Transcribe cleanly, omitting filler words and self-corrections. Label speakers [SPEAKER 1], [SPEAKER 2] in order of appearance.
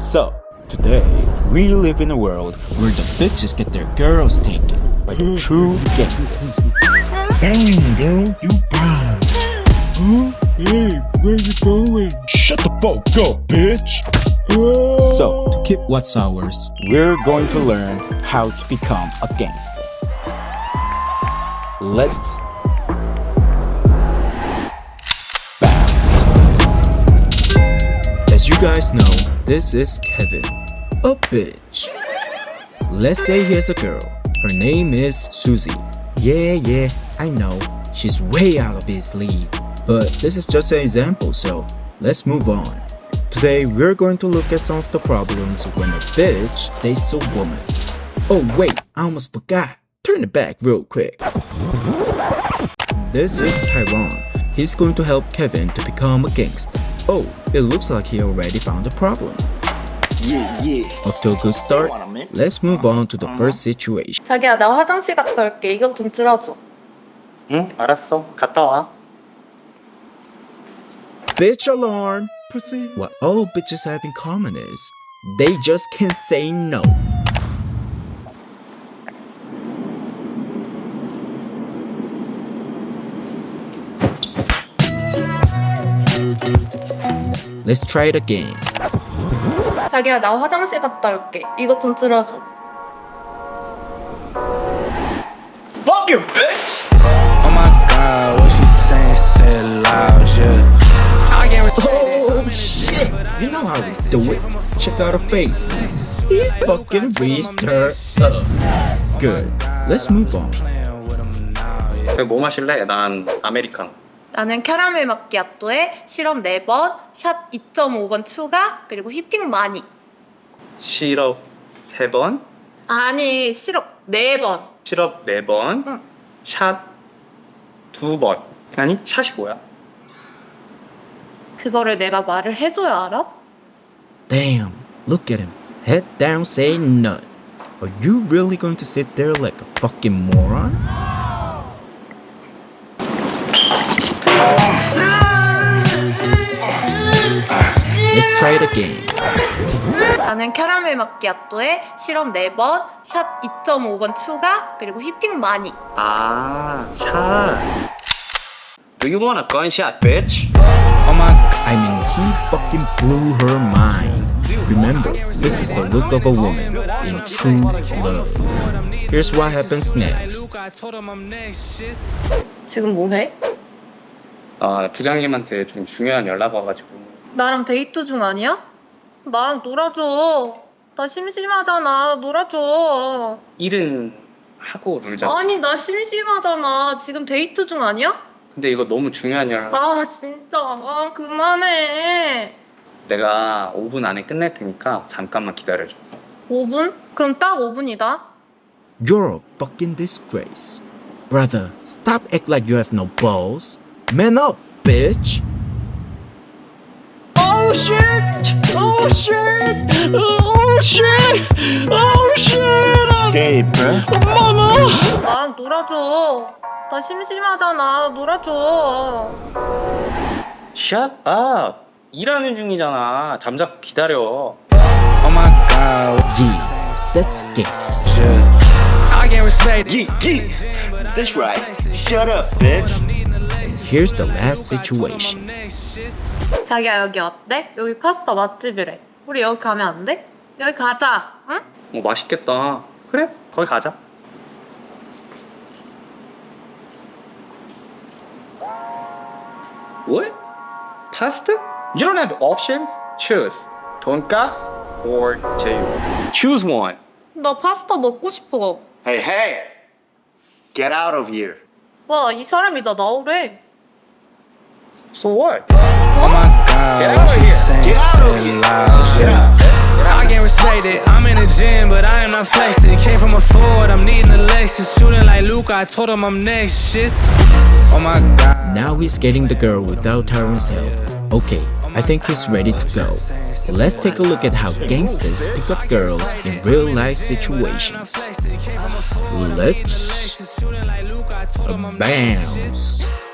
[SPEAKER 1] So, today, we live in a world where the bitches get their girls taken by the true gangsters.
[SPEAKER 2] Damn, girl, you fine. Huh? Hey, where you going? Shut the fuck up, bitch.
[SPEAKER 1] So, to keep what's ours, we're going to learn how to become a gangster. Let's bounce. As you guys know, this is Kevin, a bitch. Let's say he has a girl. Her name is Susie. Yeah, I know. She's way out of his league. But this is just an example, so let's move on. Today, we're going to look at some of the problems when a bitch dates a woman. Oh wait, I almost forgot. Turn it back real quick. This is Tyrone. He's going to help Kevin to become a gangster. Oh, it looks like he already found a problem.
[SPEAKER 3] Yeah.
[SPEAKER 1] Off to a good start, let's move on to the first situation.
[SPEAKER 4] 자기야, 나 화장실 갔다 올게. 이거 좀 들어줘.
[SPEAKER 5] 응, 알았어. 갔다 와.
[SPEAKER 1] Bitch alarm! What all bitches have in common is, they just can't say no. Let's try it again.
[SPEAKER 4] 자기야, 나 화장실 갔다 올게. 이거 좀 들어줘.
[SPEAKER 5] Fuck you, bitch!
[SPEAKER 2] Oh my god, what she saying, say it loud, yeah.
[SPEAKER 1] Oh shit! You know how we do it. Check out her face. He fucking raised her up. Good. Let's move on.
[SPEAKER 5] 뭐 마실래? 난 아메리카노.
[SPEAKER 4] 나는 캐러멜 마키아토에 시럽 4번, 샷 2.5번 추가, 그리고 휘핑 많이.
[SPEAKER 5] 시럽 3번,
[SPEAKER 4] 아니, 시럽 4번.
[SPEAKER 5] 시럽 4번,
[SPEAKER 4] 응.
[SPEAKER 5] 샷 2번. 아니, 샷이 뭐야?
[SPEAKER 4] 그거를 내가 말을 해줘야 알아?
[SPEAKER 1] Damn, look at him. Head down, say none. Are you really going to sit there like a fucking moron? Let's try it again.
[SPEAKER 4] 나는 캐러멜 마키아토에 시럽 4번, 샷 2.5번 추가, 그리고 휘핑 많이.
[SPEAKER 5] 아, 샷. Do you want a gunshot, bitch?
[SPEAKER 1] Oh my, I mean, he fucking blew her mind. Remember, this is the look of a woman in true love. Here's what happens next.
[SPEAKER 4] 지금 뭐 해?
[SPEAKER 5] 아, 부장님한테 좀 중요한 연락 와가지고.
[SPEAKER 4] 나랑 데이트 중 아니야? 나랑 놀아줘. 나 심심하잖아. 놀아줘.
[SPEAKER 5] 일은 하고 놀자.
[SPEAKER 4] 아니, 나 심심하잖아. 지금 데이트 중 아니야?
[SPEAKER 5] 근데 이거 너무 중요한 연락.
[SPEAKER 4] 아, 진짜. 아, 그만해.
[SPEAKER 5] 내가 5분 안에 끝낼 테니까 잠깐만 기다려줘.
[SPEAKER 4] 5분? 그럼 딱 5분이다.
[SPEAKER 1] You're a fucking disgrace. Brother, stop act like you have no balls. Man up, bitch.
[SPEAKER 5] Oh shit! Oh shit! Oh shit! Oh shit!
[SPEAKER 3] Okay, bro.
[SPEAKER 5] 엄마나!
[SPEAKER 4] 나랑 놀아줘. 나 심심하잖아. 놀아줘.
[SPEAKER 5] Shut up! 일하는 중이잖아. 잠자코 기다려.
[SPEAKER 2] Oh my god,
[SPEAKER 1] Yeah, that's gangster.
[SPEAKER 2] yeah. I can't respect it.
[SPEAKER 3] Yeah. That's right. Shut up, bitch.
[SPEAKER 1] Here's the last situation.
[SPEAKER 4] 자기야, 여기 어때? 여기 파스타 맛집이래. 우리 여기 가면 안 돼? 여기 가자. 응?
[SPEAKER 5] 맛있겠다. 그래? 거기 가자. What? Pasta? You don't have options? Choose. 돈가스 or 제육. Choose one.
[SPEAKER 4] 나 파스타 먹고 싶어.
[SPEAKER 3] Hey. Get out of here.
[SPEAKER 4] 와, 이 사람이 나 나오래.
[SPEAKER 5] So what?
[SPEAKER 2] Oh my god,
[SPEAKER 5] Get
[SPEAKER 2] what
[SPEAKER 5] out of
[SPEAKER 2] she
[SPEAKER 5] here.
[SPEAKER 2] saying,
[SPEAKER 3] Get out of
[SPEAKER 2] say it
[SPEAKER 3] here.
[SPEAKER 2] loud, yeah. I can't respect it. I'm in the gym, but I am not flexing. Came from a Ford, I'm needing a Lexus. Shooting like Luke, I told him I'm next. Shit. Oh my god.
[SPEAKER 1] Now he's getting the girl without Tyrone's help. Okay, I think he's ready to go. Let's take a look at how gangsters pick up girls in real life situations. Let's bounce.